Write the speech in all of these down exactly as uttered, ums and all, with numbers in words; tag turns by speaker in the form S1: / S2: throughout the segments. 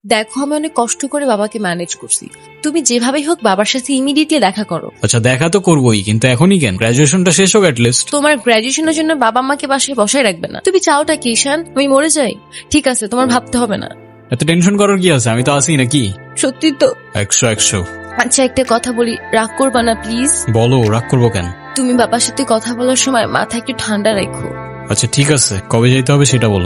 S1: দেখো আমি অনেক কষ্ট করে বাবাকে ম্যানেজ করছি, তুমি যেভাবেই হোক বাবার সাথে ইমিডিয়েটলি দেখা করো।
S2: আচ্ছা দেখা তো করবোই, কিন্তু এখনই কেন? গ্রাজুয়েশনটা শেষ হোক লিস্ট।
S1: তোমার গ্রাজুয়েশনের জন্য বাবা মাকে বাসায় বসায় রাখবে না। তুমি চাওটা কি ঈশান, আমি মরে যাই? ঠিক আছে, তোমার ভাবতে হবে না।
S2: এত টেনশন করার কি আছে, আমি তো আছি নাকি।
S1: সত্যি তো?
S2: একশো একশো।
S1: আচ্ছা একটা কথা বলি, রাগ করবা না প্লিজ।
S2: বলো, রাগ করবো কেন?
S1: তুমি বাবার সাথে কথা বলার সময় মাথা একটু ঠান্ডা রেখো।
S2: আচ্ছা ঠিক আছে, কবে যাইতে হবে সেটা বলো।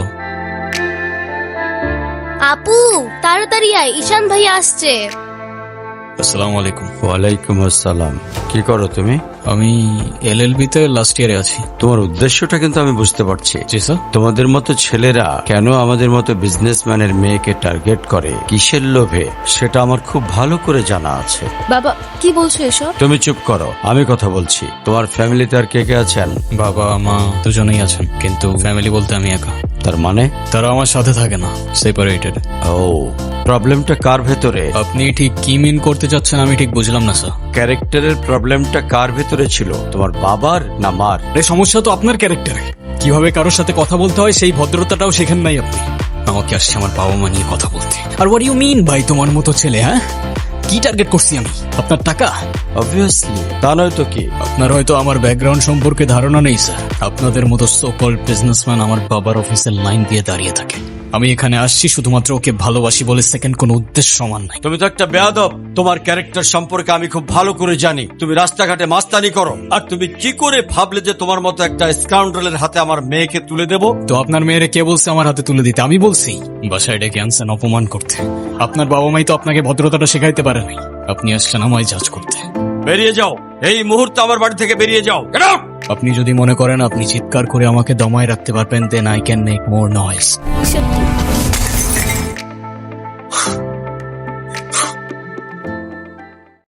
S3: আপু তাড়াতাড়ি আয়, ঈশান ভাই আসছে।
S2: আসসালামু আলাইকুম।
S4: ওয়ালাইকুম আসসালাম। কি করো তুমি?
S2: আমি এলএলবি তে লাস্ট ইয়ারে আছি।
S4: তোমার উদ্দেশ্যটা কিন্তু আমি বুঝতে পারছি।
S2: জি স্যার।
S4: তোমাদের মতো ছেলেরা কেন আমাদের মতো বিজনেসম্যানের মেয়েকে টার্গেট করে, কিসের লোভে, সেটা আমার খুব ভালো করে জানা আছে।
S1: বাবা কি বলছো এসব?
S4: তুমি চুপ করো, আমি কথা বলছি। তোমার ফ্যামিলিতে আর কে কে আছেন?
S2: বাবা মা দুজনেই আছেন, কিন্তু ফ্যামিলি বলতে আমি একা।
S4: তার মানে?
S2: তারা আমার সাথে থাকে না, সেপারেটেড।
S4: ও, প্রবলেমটা কার ভেতরে?
S2: আপনি ঠিক কি মিন করতে চাচ্ছেন আমি ঠিক বুঝলাম না স্যার।
S4: ক্যারেক্টারের প্রবলেমটা কার ভেতরে ছিল, তোমার বাবার না মার?
S2: এই সমস্যা তো আপনার ক্যারেক্টারে। কিভাবে কারোর সাথে কথা বলতে হয় সেই ভদ্রতাটাও শেখেন নাই আপনি। আমাকে আসছে আমার বাবা মা নিয়ে কথা বলতে। আর হোয়াট ইউ মিন ভাই, তোমার মতো ছেলে? হ্যাঁ, কি টার্গেট করছি আমি? আপনার টাকা?
S4: অবভিয়াসলি, তা নয় তো কি?
S2: আপনার হয়তো আমার ব্যাকগ্রাউন্ড সম্পর্কে ধারণা নেই স্যার। আপনাদের মতো সো কল্ড বিজনেসম্যান আমার বাবার অফিসের লাইন দিয়ে দাঁড়িয়ে থাকে। আমি এখানে আসছি শুধুমাত্র ওকে ভালোবাসি বলে, সেকেন্ড কোনো উদ্দেশ্য সমান নাই।
S4: তুমি তো একটা বেয়াদব। তোমার ক্যারেক্টার সম্পর্কে আমি খুব ভালো করে জানি। তুমি রাস্তাঘাটে মাস্তানি করো, আর তুমি কি করে ভাবলে যে তোমার মতো একটা স্কাউন্ডারের হাতে আমার মেয়েকে তুলে দেব?
S2: তো আপনার মেয়েরে কে বলছে আমার হাতে তুলে দিতে? আমি বলছি। বাসায় ডেকে আনছেন অপমান করতে। আপনার বাবা মাই তো আপনাকে ভদ্রতাটা শেখাইতে পারে নাই। আপনি আসছেন আমায় জাজ করতে।
S4: বেরিয়ে যাও, এই মুহূর্তে আমার বাড়ি থেকে বেরিয়ে যাও। Get out!
S2: আপনি যদি মনে করেন আপনি চিৎকার করে আমাকে দমায় রাখতে পারবেন, then I can make more noise.
S3: Ishan